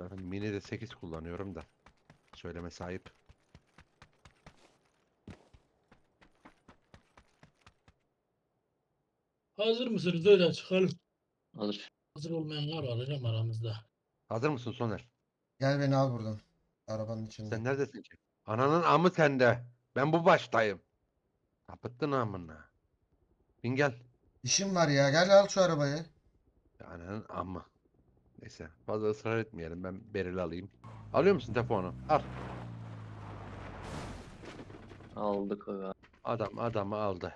Zaten mini de 8 kullanıyorum da. Söyleme sahip. Hazır mısınız? Öyle çıkalım. Alır. Hazır olmayanlar var hocam aramızda. Hazır mısın Soner? Gel beni al buradan. Arabanın içinde. Sen neredesin ki? Ananın amı sende. Ben bu baştayım. Kapıttın amına. Bin gel. İşim var ya. Gel al şu arabayı. Ananın amı. Neyse fazla ısrar etmeyelim. Ben Beril'i alayım. Alıyor musun telefonu? Al. Aldık aga. Adam adamı aldı.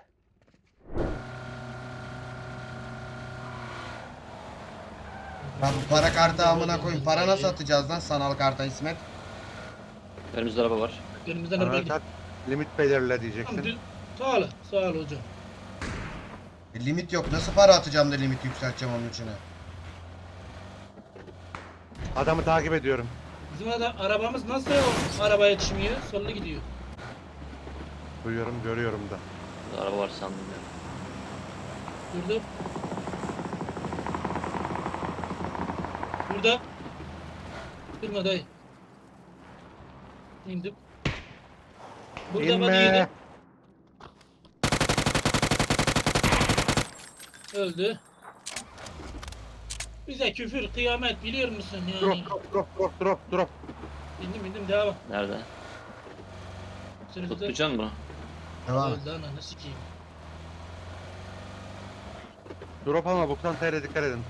Lan bu para kartı amına koyayım. Para nasıl atacağız lan sanal karta İsmet? Önümüzde araba var. Önümüzden araba Sana gidiyor. limit belirle Tamam, diyeceksin. sağ ol. Sağ ol hocam. Limit yok. Nasıl para atacağım da limit yükselteceğim onun içine? Adamı takip ediyorum. Bizim arabamız nasıl o arabaya yetişmiyor? Sollu gidiyor. Duyuyorum görüyorum da. Burada araba var sandım ya. Durdu. Burada. Durma dayı. İndim. Burada body İnme. yedi. Öldü. Bize küfür, kıyamet biliyor musun yani? Drop. İndim devam. Nerede? Sürücüde Tutacak mı? Devam et. öldü ananı sikeyim. Drop ama boktan TR dikkat edin.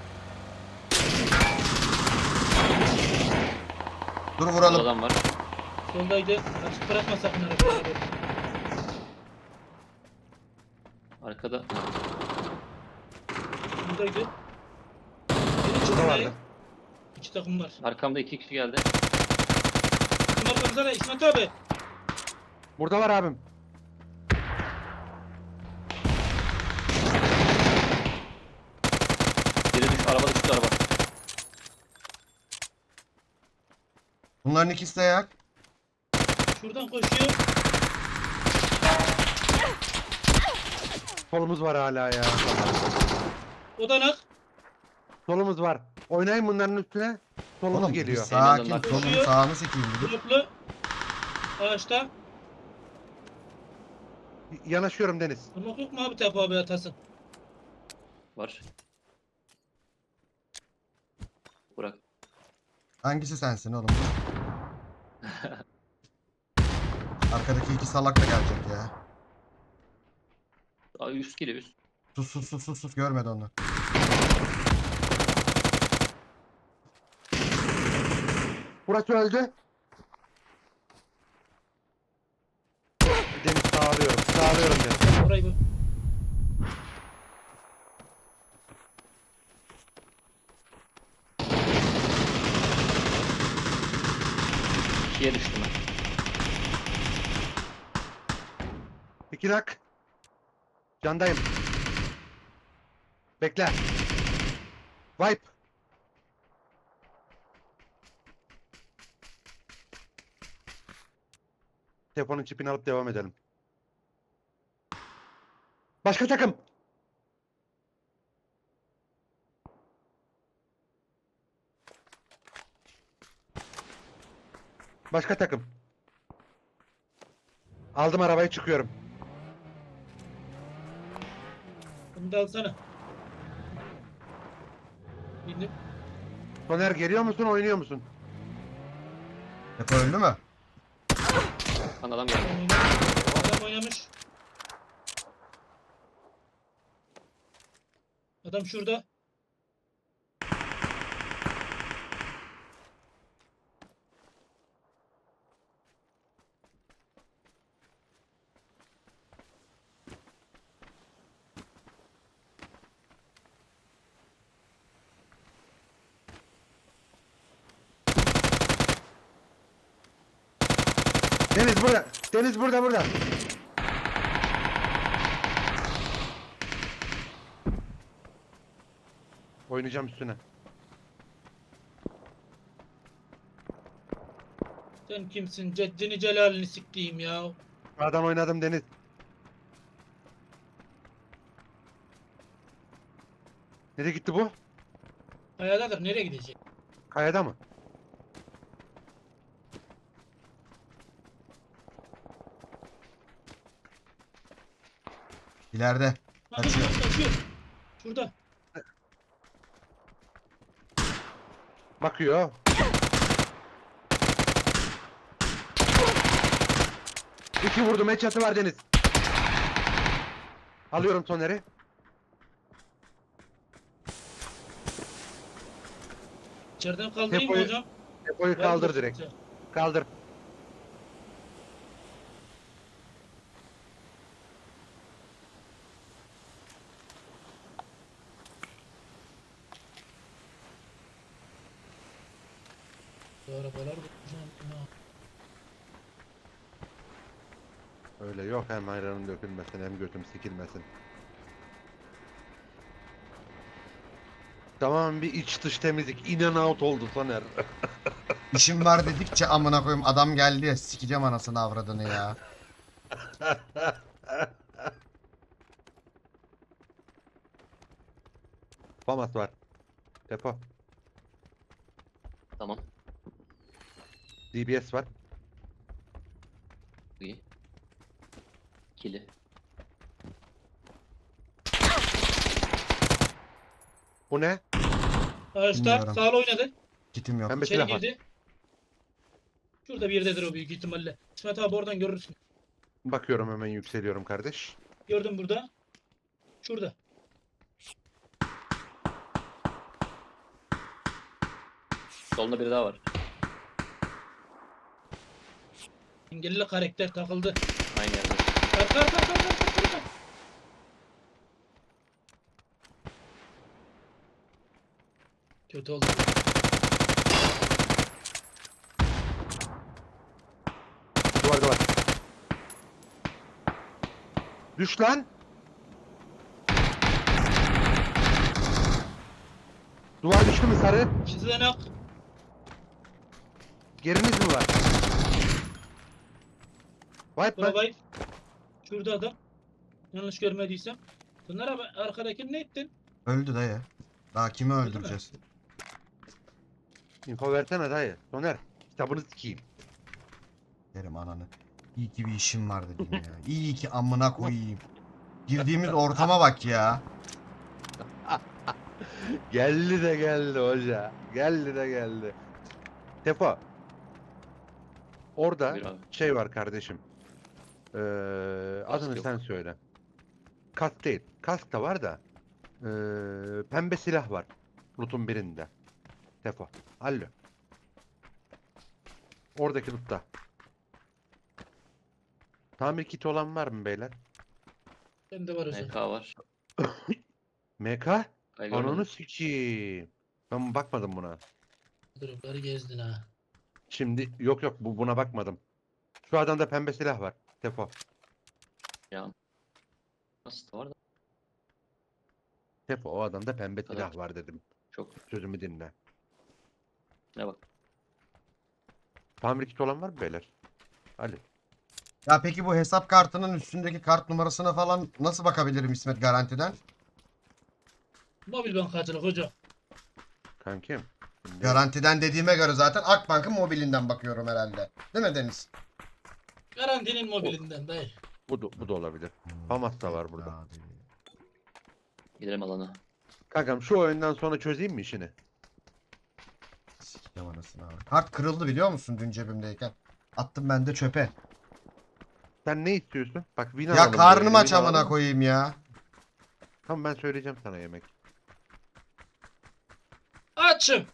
Dur Burada vuralım. adam var. Soldaydı. Açık bırakma sakın arabayı. Arkada. Buradaydı. Biri Burada çıktı. vardı. İki takım var. Arkamda 2 kişi geldi. Bizim arkamızda ne İsmet abi? Burada var abim. Biri düş, araba düştü araba. Bunların ikisi de yak. Şuradan koşuyor. Solumuz var hala ya. Odanak. Solumuz var. Oynayın bunların üstüne. Solumuz Oğlum bir geliyor. sakin. Elinden Solunu koşuyor. sağını sikeyim bir dur. Droplu. Ağaçta. Yanaşıyorum Deniz. Durmak yok mu abi Tepe abi atasın? Var. Burak. Hangisi sensin oğlum? Arkadaki iki salak da gelecek ya. Aa, üst geliyor üst. Sus görmedi onu. Burası öldü. Deniz sağlıyorum Deniz. Orayı bu. İkiye düştüm ben. İki dak. Candayım. Bekle. Wipe. Telefonun çipini alıp devam edelim. Başka takım. Başka takım. Aldım arabayı çıkıyorum. Bunu da alsana. İndim. Soner geliyor musun oynuyor musun? Depo öldü mü? Lan adam geldi. Adam oynamış. Adam şurada. Deniz burada. Deniz burada. Oynayacağım üstüne. Sen kimsin? Ceddini celalini siktiğim ya. Adam oynadım Deniz. Nereye gitti bu? Kayadadır. Nereye gidecek? Kayada mı? İleride. Bakın Kaçıyor. kaçıyor. Şurada. Bakıyor. İki vurdum. Headshot'ı var Deniz. Alıyorum Soner'i. İçeriden kaldırayım mı Depoyu- hocam? Depoyu Ver kaldır burası direkt. bize. Kaldır. Bu arabalar da hocam. Ya. Öyle yok, hem ayranın dökülmesin hem götüm sikilmesin. Tamam, bir iç dış temizlik. In and out oldu Soner. İşim var dedikçe amına koyayım adam geldi ya sikeceğim anasını avradını ya. Famas var. Depo. Tamam. DBS var. İyi. İkili. Bu ne? Ağaçta Bilmiyorum. sağla oynadı. Kitim yok. Pembe İçeri silah var. girdi. Şurada bir yerdedir o büyük ihtimalle. İsmet abi oradan görürsün. Bakıyorum, hemen yükseliyorum kardeş. Gördüm burada. Şurada. Solunda biri daha var. Engelli karakter takıldı. Aynı yerde. Arka. Kötü oldu. Duvarda var. Düş lan. Duvar düştü mü sarı? Sizden ak. Geriniz mi var? Wipe mı? Babayı. Şurada adam. Yanlış görmediysem. Bunlar abi arkadakini ne ettin? Öldü dayı. Daha kimi Öldü mü? öldüreceğiz? Info versene dayı. Soner. Kitabını sikeyim. Derim ananı. İyi ki bir işim var dedim ya. İyi ki amına koyayım. Girdiğimiz ortama bak ya. Geldi de geldi hoca. Geldi de geldi. Tepo. Orada Buyur abi. şey var kardeşim. Adını yok. sen söyle. Kask değil. Kask da var da. Pembe silah var. Loot'un birinde. Tefo. Hallo. Oradaki loot'ta. Tamir kiti olan var mı beyler? Bende var hocam. MK var. MK? Ay, görmedim. Ananı sikeyim. Ben bakmadım buna. Dropları gezdin ha. Şimdi yok buna bakmadım. Şu adamda pembe silah var. Tefo. Ya. Nasıl da var da. Tefo, o adamda pembe Evet. silah var dedim. Çok. Sözümü dinle. Ne bak. Tamir kiti olan var mı beyler? Ali. Ya peki bu hesap kartının üstündeki kart numarasına falan nasıl bakabilirim İsmet garantiden? Mobil bankacılık hocam. Kankim. Şimdi Garantiden dediğime göre zaten Akbank'ın mobilinden bakıyorum herhalde. Değil mi Deniz? Garantinin mobilinden dayı. bu da olabilir. Famas da var burada. Abi. Gidelim alana. Kankam şu oyundan sonra çözeyim mi işini? Sikeceğim anasını abi. Kart kırıldı biliyor musun dün cebimdeyken? Attım ben de çöpe. Sen ne istiyorsun? Bak win Ya alalım karnım böyle, aç win amına alalım. koyayım ya. Tamam, ben söyleyeceğim sana yemek. Açım.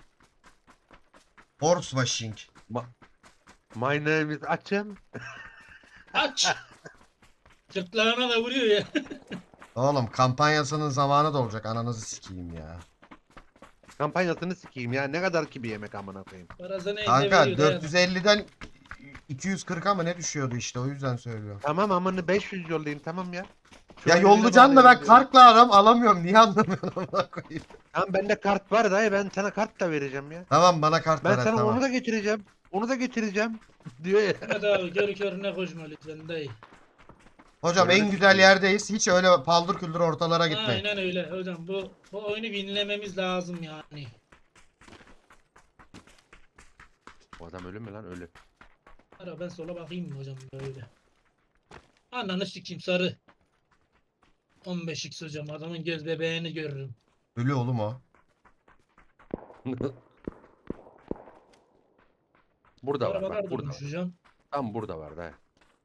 Horse washing. My name is Açım. Aç. Sırtlarına da vuruyor ya. Oğlum kampanyasının zamanı da olacak ananızı sikeyim ya. Kampanyasını sikeyim ya. Ne kadar ki bir yemek amına koyayım. Parasını elde Kanka veriyor dayı. 450'den 240'a mı ne düşüyordu işte o yüzden söylüyorum. Tamam, amını 500 yollayayım, tamam ya. Şu Ya an birine yollayacaksın da ben bağlayalım diyorum. kartla alamıyorum. Niye anlamıyorum amına koyayım. Tamam, bende kart var dayı, ben sana kart da vereceğim ya. Tamam bana kart Ben ver sana tamam. onu da getireceğim. Onu da getireceğim. Diyor ya. Hadi abi gör körüne koşma lütfen dayı. Hocam Öyle en güzel sikeyim. yerdeyiz. Hiç öyle paldır küldür ortalara gitmeyin. Aynen öyle hocam. Bu oyunu winlememiz lazım yani. O adam ölü mü lan? Ölü. Ara ben sola bakayım mı hocam böyle. Ananı sikeyim sarı. 15x hocam. Adamın göz bebeğini görürüm. Ölü oğlum o. Burada var Arabalar bak burada durmuş var. hocam. Tam burada var da.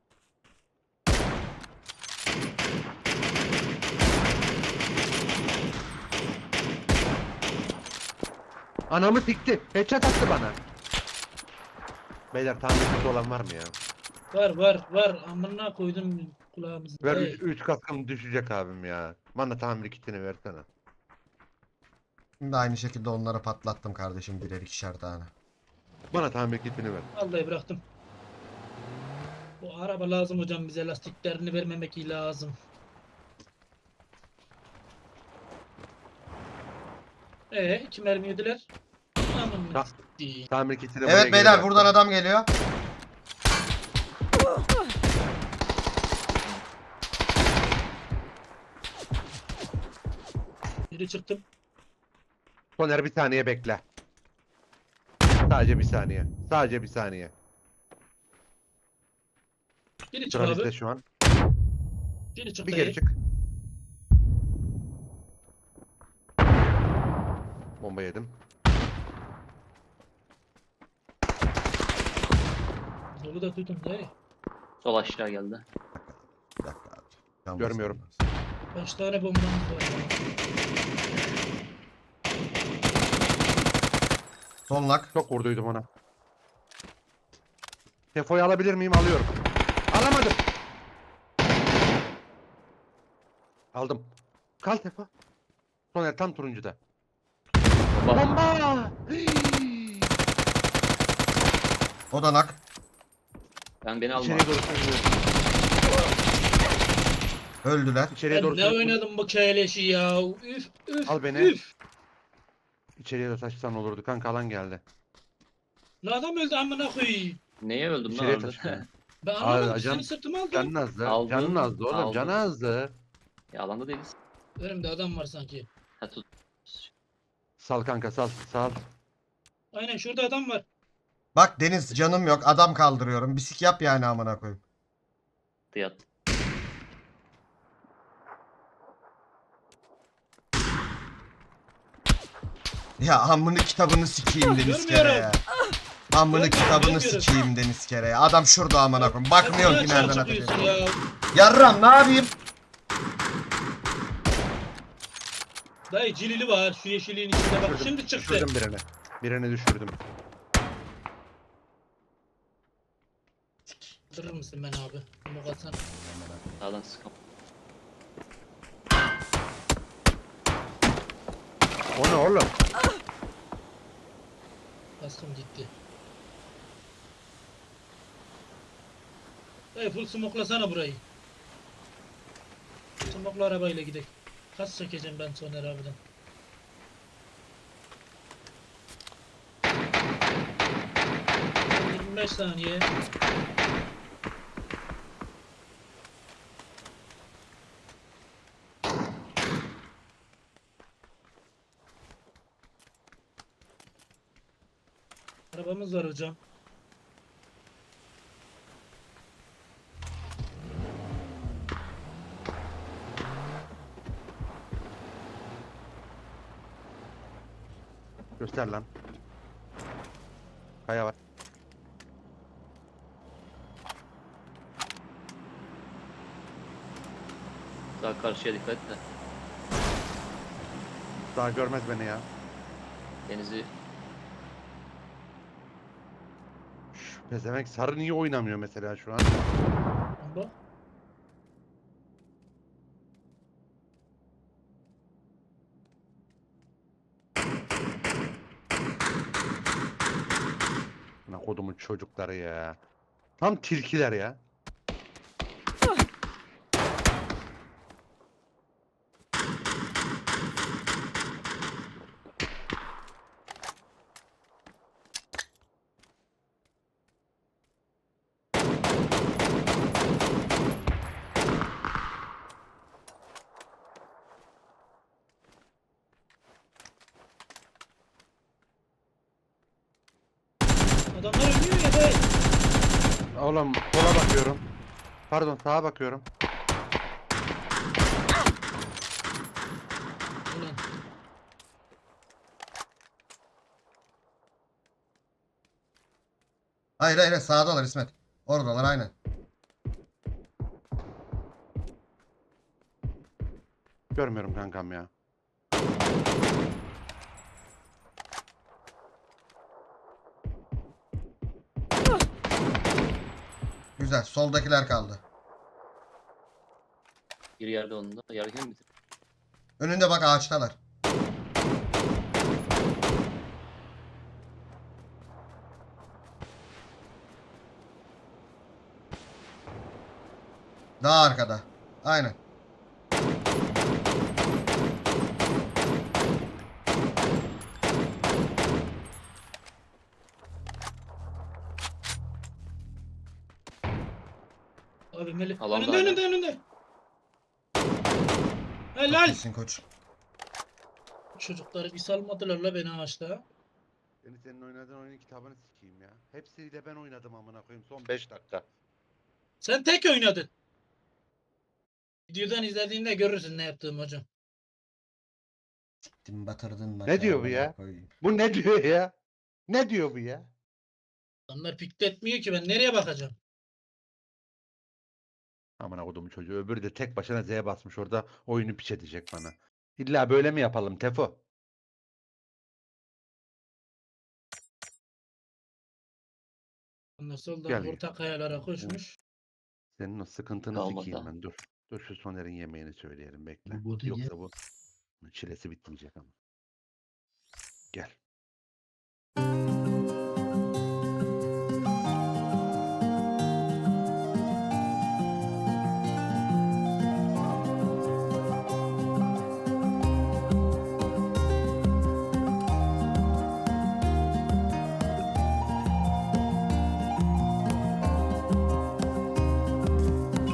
Anamı sikti. Headshot attı bana. Beyler tamircisi olan var mı ya? Var. Amına koydum kulağımızı. Ver Hey. 3 kaskım düşecek abim ya. Bana tamir kitini versene. Şimdi aynı şekilde onlara patlattım kardeşim birer ikişer tane. Bana tamir kitini ver. Vallahi bıraktım. Bu araba lazım hocam bize, lastiklerini vermemek lazım. İki mermi yediler. Aman Ta- siktir. Tamir kitini buraya Evet geri beyler bıraktım. buradan adam geliyor. Biri çıktım. Soner bir saniye bekle. Sadece bir saniye. Sadece bir saniye. Biri çık Sıra bizde abi. şu an. Biri çık Bir dayı. geri çık. Bomba yedim. Solu da tutun dayı. Sol aşağı geldi. Bir dakika abi. Yalnız Görmüyorum. yalnız. 5 tane bombamız var. Son lak. Çok vurduydum ona. Tefoyu alabilir miyim? Alıyorum. Alamadım. Aldım. Kal Tefo. Soner tam turuncuda. Bak, Bomba! O da nak. beni alma. İçeriye doğru sürüyorum. Öldüler. İçeriye Ben doğru ne sürüyorum. oynadım bu keleşi ya. Üf. Al beni. Üf. İçeriye doğru taşısan olurdu. Kanka alan geldi. La adam öldü amına koyayım. Neye öldüm lan İçeriye orada? taşı. Ben anlamadım. Aa, Seni sırtıma aldım. Canın azdı. Aldım, Canın azdı oğlum. aldım. Canı azdı. Ya alanda değiliz. Önümde adam var sanki. Ha tut. Sal kanka sal. Sal. Aynen şurada adam var. Bak Deniz canım yok adam kaldırıyorum. Bisik yap yani amına koyayım. Yat. Ya amını kitabını sikeyim Deniz kere ya. Amını kitabını sikeyim Deniz kere ya. Adam şurada amına koyayım. Bakmıyor ki nereden atacak. Ya. Yarram ne yapayım? Dayı cilili var şu yeşilliğin içinde bak Düşürdüm, şimdi çıktı. Düşürdüm birini. Birini düşürdüm. Durur musun ben abi? Bunu katsana. Sağdan sıkam. O ne oğlum? Kaskım gitti. Dayı full smoklasana burayı. Smokla arabayla gidelim. Kas çekeceğim ben Soner abiden. Son 25 saniye. Arabamız var hocam. Göster lan. Kaya var. Daha karşıya dikkat et de. Daha görmez beni ya. Denizi Şş, pezevenk sarı niye oynamıyor mesela şu an? Bomba. Buna kodumun çocukları ya. Tam tilkiler ya. Adamlar ölüyor ya dayı. Oğlum sola bakıyorum. Pardon sağa bakıyorum. Hayır hayır sağdalar İsmet. Oradalar aynen. Görmüyorum kankam ya. Güzel. Soldakiler kaldı. Bir yerde onun da. Yargın bitir. Önünde bak ağaçtalar. Daha arkada. Aynen. Abi Melih. Alanda Önünde hala. önünde önünde. Helal. İyisin koç. Çocukları bir salmadılar la beni ağaçta. Senin oynadığın oyunun kitabını sikeyim ya. Hepsiyle ben oynadım amına koyayım son 5 dakika. Sen tek oynadın. Videodan izlediğinde görürsün ne yaptığım hocam. Gittin batırdın Ne diyor bu ya? Bu ne diyor ya? Ne diyor bu ya? Adamlar pikletmiyor ki ben nereye bakacağım? Amına kodumun çocuğu. Öbürü de tek başına Z'ye basmış orada oyunu piç edecek bana. İlla böyle mi yapalım Tefo? Ondan soldan Gel. orta kayalara koşmuş. Senin o sıkıntını Kalmadı sikeyim ha. ben dur. Dur şu Soner'in yemeğini söyleyelim bekle. Bu botu ye. Yoksa bu çilesi bitmeyecek ama. Gel.